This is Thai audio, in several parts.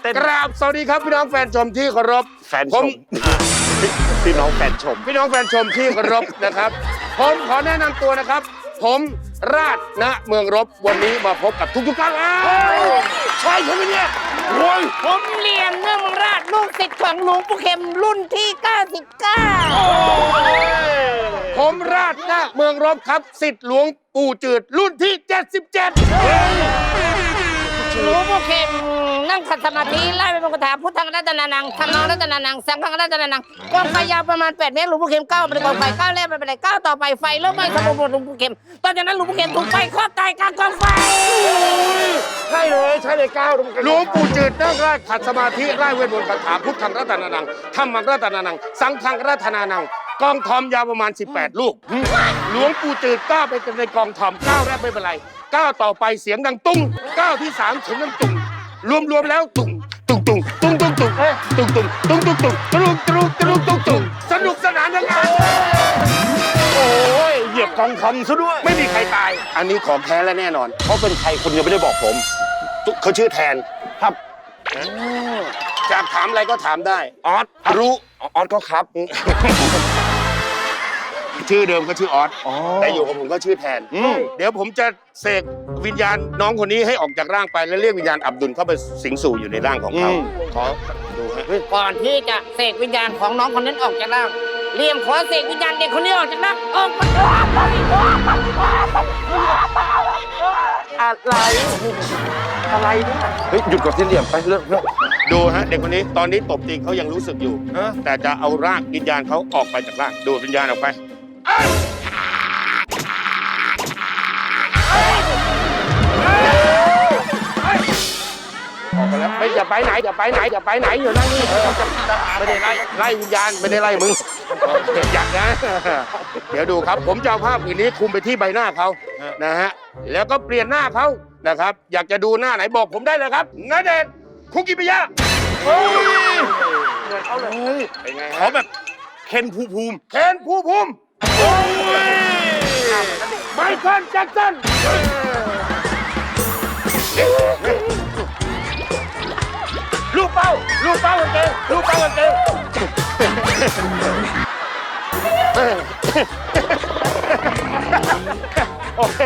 เต้นกราบสวัสดีครับพี่น้องแฟนชมที่เคารพแฟนชมพี่น้องแฟนชมพี่น้องแฟนชมที่เคารพนะครับ ผมขอแนะนำตัวนะครับ ผมราชณเมืองรบวันนี้มาพบกับทุกๆท่านใช่ใช่ไหมเนี่ยโอ้ยผมเรียนเนื่องราชลูกศิษย์ของหลวงปู่เข็มรุ่นที่ 99 ผมราชณเมืองรบครับศิษย์หลวงปู่จืดรุ่นที่ 77 หลวงปู่เข็มนั่งขัดสมาธิไล่ไปบนกระถาพุทธังรัตนานังธรรมังรัตนานังสังฆังรัตนานังกองไฟยาวประมาณ8 เมตรหลวงปู่เข็มก้าวไปกองไฟก้าวแรกไปเป็นไรก้าวต่อไปไฟเริ่มไหม้สมบูรณ์หลวงปู่เข็มตอนจากนั้นหลวงปู่เข็มถูกไฟครอบตายกลางกองไฟใช่เลยก้าวหลวงปู่จืดนั่งไล่ขัดสมาธิไล่เวทมนต์คาถาพุทธังรัตนานังธรรมังรัตนานังสังฆังรัตนานังกองทอมยาวประมาณ18 ลูกหลวงปู่จืดก้าวไปในกองทอมก้าวแรกไม่เป็นไรก้าวต่อไปเสียงดังตุ้งก้าวที่3เสียงดังตุ้งรวมแล้วตุ้งตุ้งตุ้งตุ้งตุ้งตุ้งตุ้งตุ้งตุ้งตุ้งตุ้งตุ้งตุ้งตุ้งตุ้งตุ้งสนุกสนานทั้งงานโอ้ยเหยียบกองคำซะด้วยไม่มีใครตาย อันนี้ของแท้และแน่นอนเขาเป็นใครคุณยังไม่ได้บอกผมเขาชื่อแทนครับจะถามอะไรก็ถามได้ออสรู้ออสก็ครับชื่อเดิมก็ชื่อออสแต่อยู่กับผมก็ชื่อแทน เดี๋ยวผมจะเสกวิญญาณน้องคนนี้ให้ออกจากร่างไปแล้วเรียกวิญญาณอับดุลเข้าไปสิงสู่อยู่ในร่างของเขาขอดูฮะก่อนที่จะเสกวิญญาณของน้องคนนั้นออกจากร่างเรียมขอเสกวิญญาณเด็กคนนี้ออกจากร่างออกมาอะไรเนี่ยเฮ้ยหยุดก่อนที่เหลี่ยมไปเรื่องดูฮะเด็กคนนี้ตอนนี้ตบจริงเขายังรู้สึกอยู่ แต่จะเอาร่างวิญญาณเขาออกไปจากร่างดูดวิญญาณออกไปออกไปแล้วไม่อย่าไปไหนอย่าไปไหนอย่าไปไหนอยู่นั่งนี่ไม่ได้ไล่วิญญาณไม่ได้ไล่มึงอยากนะ เดี๋ยวดูครับผมจะเอาภาพอื่นนี้คุมไปที่ใบหน้าเขานะฮะแล้วก็เปลี่ยนหน้าเขานะครับอยากจะดูหน้าไหนบอกผมได้เลยครับณเดชน์คุกิมิยะเฮ้ยเป็นไงเขาฮะแบบเคนภูมิเคนภูมิไมเคิลแจ็คสันลูกเป้ากางเกงลูกเป้ากางเกงโอเค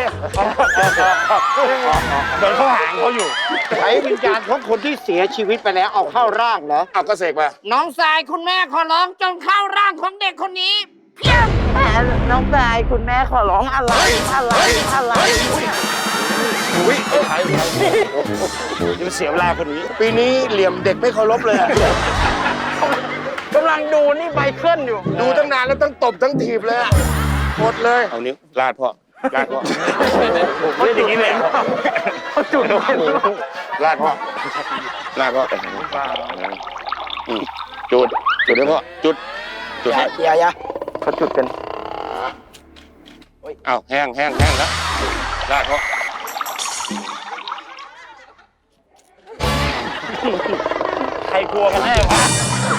เหมือนเขาหางเขาอยู่ใช้วิญญาณของคนที่เสียชีวิตไปแล้วเอาเข้าร่างเหรอเอาก็เสกมาน้องสายคุณแม่ขอร้องจงเข้าร่างของเด็กคนนี้เพียงน้องชายคุณแม่ขอร้องอะไรอะไรอุ้ยยังเสียเวลาคนนี้ปีนี้เหลี่ยมเด็กไม่เคารพเลยอะกำลังดูนี่ไมเคิลอยู่ดูตั้งนานแล้วต้องตบทั้งถีบเลยอะหมดเลยเอานิ้วลาดพ่อลาดพ่อผมเล่นอย่างนี้เลยเขาจุดลาดพ่อลาดพ่อจุดให้พ่อจุดให้อย่าเขาจุดกันอ้าวแห้งแล้วลาดพ่อใครกลัวกันแน่วะ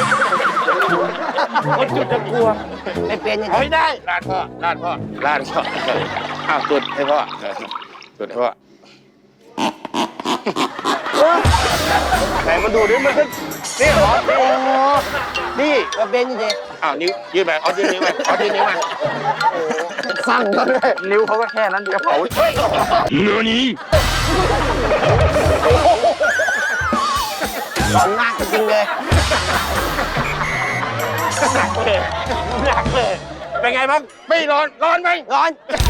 คนจุดจะกลัวไม่เป็นอย่างเอานี้ให้ได้ลาดพ่ออ้าวจุดให้พ่อจุดให้พ่อไหนมาดูดิมันนี่เหรอนี่ก็เป็นอย่างนี้อ้าวนิ้วยืดไปเอายืดนิ้วไปเอายืดนิ้วไปสั่งก็เลยนิ้วเขาก็แค่นั้นเดียวตอนหน้าจริงๆเลยหนักเลยเป็นไงบ้างไม่ร้อนไหมร้อน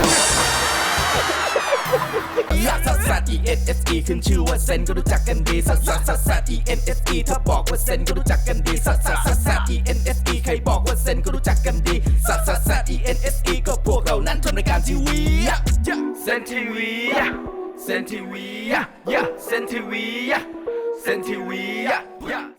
ลักซัสซัส E N S E ขึ้นชื่อว่าเซนก็รู้จักกันดีซัสซัสซัสซัส E N S E ถ้าบอกว่าเซนก็รู้จักกันดีซัสซัสซัสซัส E N S E ใครบอกว่าเซนก็รู้จักกันดีซัสซัสซัส E N S E ก็พวกเรานั้นทำรายการทีวีเซนทีวีเซนทีวีเซนทีวีเซนทีวี